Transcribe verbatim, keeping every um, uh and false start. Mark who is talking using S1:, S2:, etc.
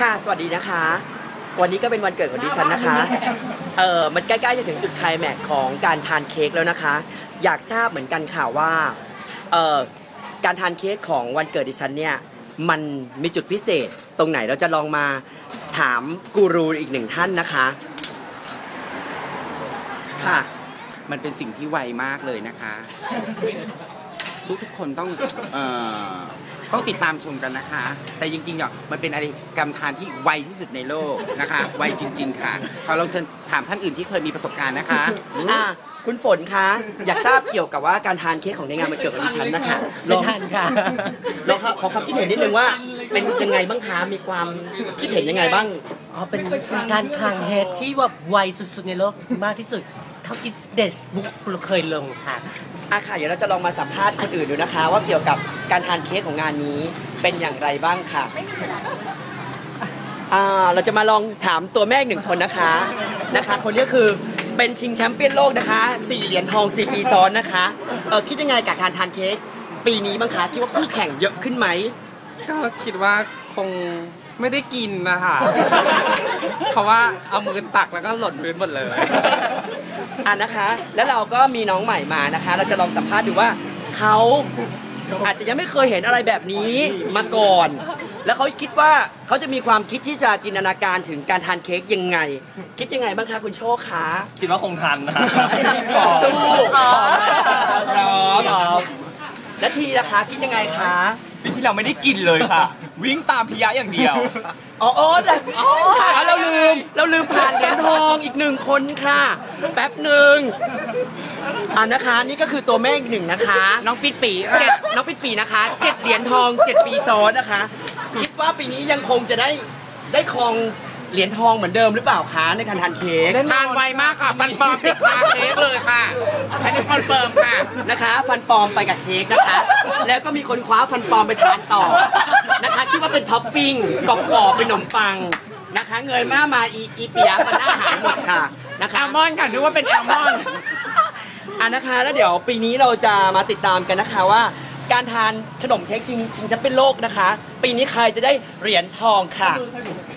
S1: ค่ะสวัสดีนะคะวันนี้ก็เป็นวันเกิดของดิฉันนะคะเออมันใกล้ๆจะถึงจุดไคลแม็กซ์ของการทานเค้กแล้วนะคะอยากทราบเหมือนกันค่ะว่าเออการทานเค้กของวันเกิดดิฉันเนี่ยมันมีจุดพิเศษตรงไหนเราจะลองมาถามกูรูอีกหนึ่งท่านนะคะค่ะ
S2: มันเป็นสิ่งที่ไวมากเลยนะคะทุกทุกคนต้องเอ่อต้องติดตามชมกันนะคะแต่จริงๆอ่ะมันเป็นอะไรกรรมทานที่ไวที่สุดในโลกนะคะไวจริงๆค่ะขอลองเชิญถามท่านอื่นที่เคยมีประสบการณ์นะคะ
S1: อ่าคุณฝนคะอยากทราบเกี่ยวกับว่าการทานเค้กของในงานวันเกิดของดิฉันนะคะ
S3: ไม่ทานค่ะ
S1: ลองขอความคิดเห็นนิดนึงว่าเป็นยังไงบ้างคะมีความคิดเห็นยังไงบ้าง
S3: อ๋อเป็นการทานเค้กที่แบบไวสุดๆในโลกมากที่สุดเท่าที่เดสบุ๊กเคยลงค่ะ
S1: อ่ะค่ะเดี๋ยวเราจะลองมาสัมภาษณ์คนอื่นดูนะคะว่าเกี่ยวกับการทานเค้กของงานนี้เป็นอย่างไรบ้างค่ะอ่าเราจะมาลองถามตัวแม่หนึ่งคนนะคะนะคะคนนี้คือเป็นชิงแชมป์เปี้ยนโลกนะคะสี่เหรียญทองสี่ปีซ้อนนะคะเออคิดยังไงกับการทานเค้กปีนี้บ้างคะคิดว่าคู่แข่งเยอะขึ้นไหม
S4: ก็คิดว่าคงไม่ได้กินนะคะเพราะว่าเอามือตักแล้วก็หล่นพื้นหมดเลย
S1: อ่ะนะคะแล้วเราก็มีน้องใหม่มานะคะเราจะลองสัมภาษณ์ดูว่าเขาอาจจะยังไม่เคยเห็นอะไรแบบนี้มาก่อนแล้วเขาคิดว่าเขาจะมีความคิดที่จะจินตนาการถึงการทานเค้กยังไงคิดยังไงบ้างคะคุณโชคคะ
S5: คิดว่าคงทันนะ
S1: สู้พร้อมและทีนะคะคิดยังไงคะ
S5: ปีที่เราไม่ได้กินเลยค่ะวิ่งตามพิยะอย่างเดียว
S1: อ๋อโอ้แต่เราลืมเราลืมผ่านเหรียญทองอีกหนึ่งคนค่ะแป๊บหนึ่งอ่านะคะนี่ก็คือตัวแม่อีกหนึ่งนะคะ
S2: น้องปิดปี
S1: เจ็ดน้องปิดปีนะคะเจ็ดเหรียญทองเจ็ดปีซ้อนนะคะคิดว่าปีนี้ยังคงจะได้ได้ครองเหรียญทองเหมือนเดิมหรือเปล่าคะในการทานเค้ก
S2: ทานไวมากค่ะฟันปลอมติดตาเค้กเลยค่ะอันนี้คอนเฟิร์มค่ะ
S1: นะคะฟันปลอมไปกับเค้กนะคะแล้วก็มีคนคว้าฟันปลอมไปทานต่อนะคะคิดว่าเป็นท็อปปิ้งกรอบๆเป็นขนมปังนะคะเงยมามาอีอีเปียมันหน้าหายหมดค่ะนะคะ
S2: แอลมอนด์ค่ะนึกว่าเป็นแอลมอนด์
S1: อ่ะนะคะแล้วเดี๋ยวปีนี้เราจะมาติดตามกันนะคะว่าการทานขนมเค้กชิงชิงแชมป์เป็นโลกนะคะปีนี้ใครจะได้เหรียญทองค่ะ